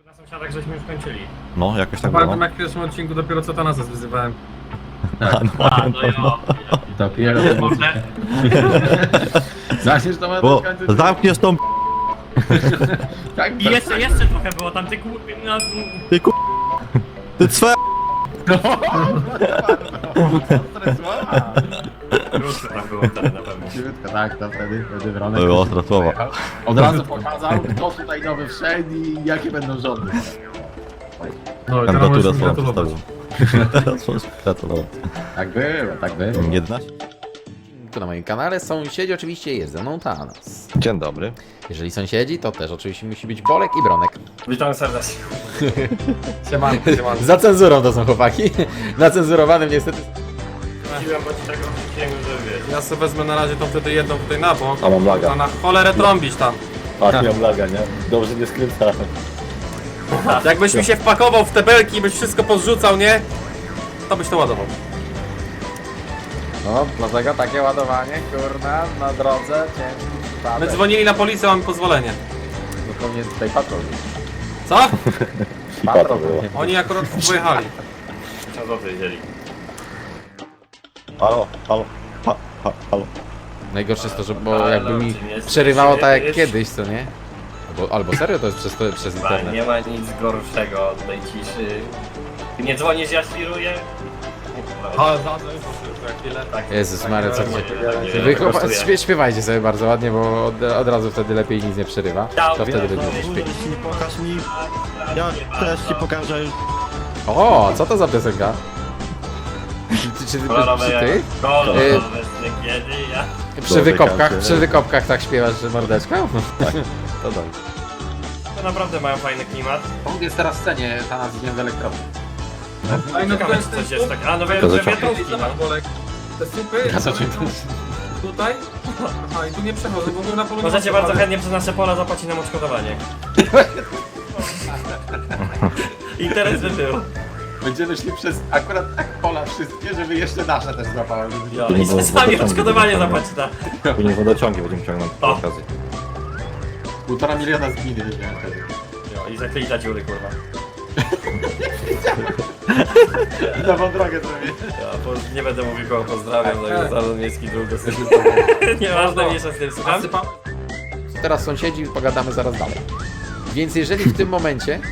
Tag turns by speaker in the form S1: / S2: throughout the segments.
S1: Na sąsiadach żeśmy już kończyli.
S2: No, jakoś tak było.
S3: Pamiętam jak w pierwszym odcinku dopiero co Tanasa wyzywałem.
S4: Dopiero
S1: Może.
S4: Zaczniesz to ma
S2: Bo zamkniesz tą
S4: tak,
S1: I jeszcze trochę było tam, ty no,
S2: ty ku... Ty cwe...
S1: Ruszy tam było wtedy na pewno.
S4: tak, to wtedy Wronek
S2: Było ostre słowa.
S4: od razu pokazał, kto tutaj nowy wszedł i jakie będą rządy.
S3: No i teraz
S2: Kandydaturę
S3: możesz mi
S2: swoją
S3: gratulować.
S2: przedstawił. Teraz możesz gratulować.
S4: Tak było, tak było.
S2: 11?
S5: Tu na moim kanale sąsiedzi oczywiście jest ze mną Thanos.
S2: Dzień dobry.
S5: Jeżeli sąsiedzi, to też oczywiście musi być Bolek i Bronek.
S1: Witam serdecznie.
S3: Siemanko, siemanko.
S5: Za cenzurą to są chłopaki. Na cenzurowanym niestety.
S1: Chciałem bądź tego, żeby wiesz.
S3: Ja sobie wezmę na razie tą wtedy jedną tutaj na bok.
S2: A mam laga.
S3: A na cholerę trąbić tam.
S2: A, miałem laga, nie? Dobrze nie skręcałem.
S3: Jakbyś mi się wpakował w te belki i byś wszystko pozrzucał, nie? To byś to ładował.
S4: No, dlatego takie ładowanie, kurna, na drodze, ciężki
S3: My
S4: przypadek.
S3: dzwonili na policję, mamy pozwolenie.
S4: Zupełnie tutaj patrol.
S3: Co?
S4: Patrol było.
S3: Oni akurat pojechali.
S1: 1000 zł wzięli.
S2: Halo, halo, halo.
S5: Najgorsze jest to, że bo
S1: Ale
S5: jakby mi
S1: czym jest?
S5: przerywało tak jak
S1: Jest-
S5: kiedyś, co nie? Albo serio to jest przez internet.
S1: Nie ma nic gorszego od tej ciszy. Ty nie dzwonisz, ja świruję.
S3: Ale zadzwoń za chwilę.
S1: Tak,
S5: Jezus Maria, co
S1: tak,
S5: ty-
S1: tak,
S5: Wy
S1: tak,
S5: chłopa,
S1: kosztuje.
S5: śpiewajcie sobie bardzo ładnie, bo od razu wtedy lepiej nic nie przerywa. To wtedy będzie śpiew.
S2: Jeśli pokaż mi... Ja też ci pokażę.
S5: O, co to za piosenka? Czy
S1: Kolorowe
S5: ty?
S1: jak kolorowe kiedy ja...
S5: Przy wykopkach tak śpiewasz, że mordeczko?
S2: To dobrze.
S1: To naprawdę mają fajny klimat.
S4: On jest teraz w scenie, Tanas z z elektrowni.
S3: Ej, no
S1: Ciekawe,
S3: to
S1: czy
S3: jest
S1: coś jest tak. A, no
S2: To
S1: wiatrówki, no.
S3: Zobacz, Bolek. Te supy.
S4: Ja co cię
S3: Tutaj? Aha, i tu nie przechodzę, bo na polu.
S1: Możecie bardzo chętnie przez nasze pola zapłacić nam odszkodowanie. Interes by był.
S4: Będziemy szli przez akurat tak pola wszystkie, żeby jeszcze nasze też złapały.
S1: Jo,
S2: To nie
S1: i
S2: było
S1: sami
S2: wodociągi
S1: odszkodowanie
S2: wybudowane.
S1: zapłaci na...
S2: Później wodociągi będziemy ciągnąć przy
S1: O.
S2: okazji.
S4: 1,5 miliona z gminy wiedziałem wtedy.
S1: Jo, i zakryta dziury, kurwa.
S4: Nową drogę zrobię.
S1: Ja nie będę mówił kogo pozdrawiam, to jest Zarząd Miejski Dróg dosyć. Nieważne, mniejsza z tym, słucham?
S5: Teraz sąsiedzi, pogadamy zaraz dalej. Więc jeżeli w tym momencie...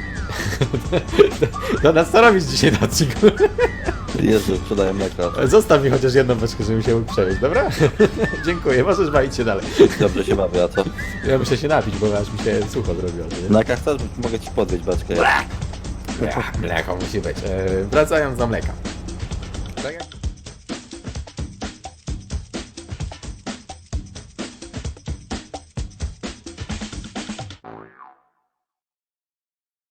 S5: To nas co robić dzisiaj na odcinku?
S2: Jezu, sprzedaję mleko.
S5: Zostaw mi chociaż jedną beczkę, żebym się mógł przewieźć, dobra? Dziękuję, możesz bawić się dalej.
S2: Dobrze się bawię, a co?
S5: Ja muszę się napić, bo aż mi się sucho zrobiło. nie?
S2: Na chcesz, mogę ci podbić beczkę.
S5: Mleko musi być. Wracając do mleka.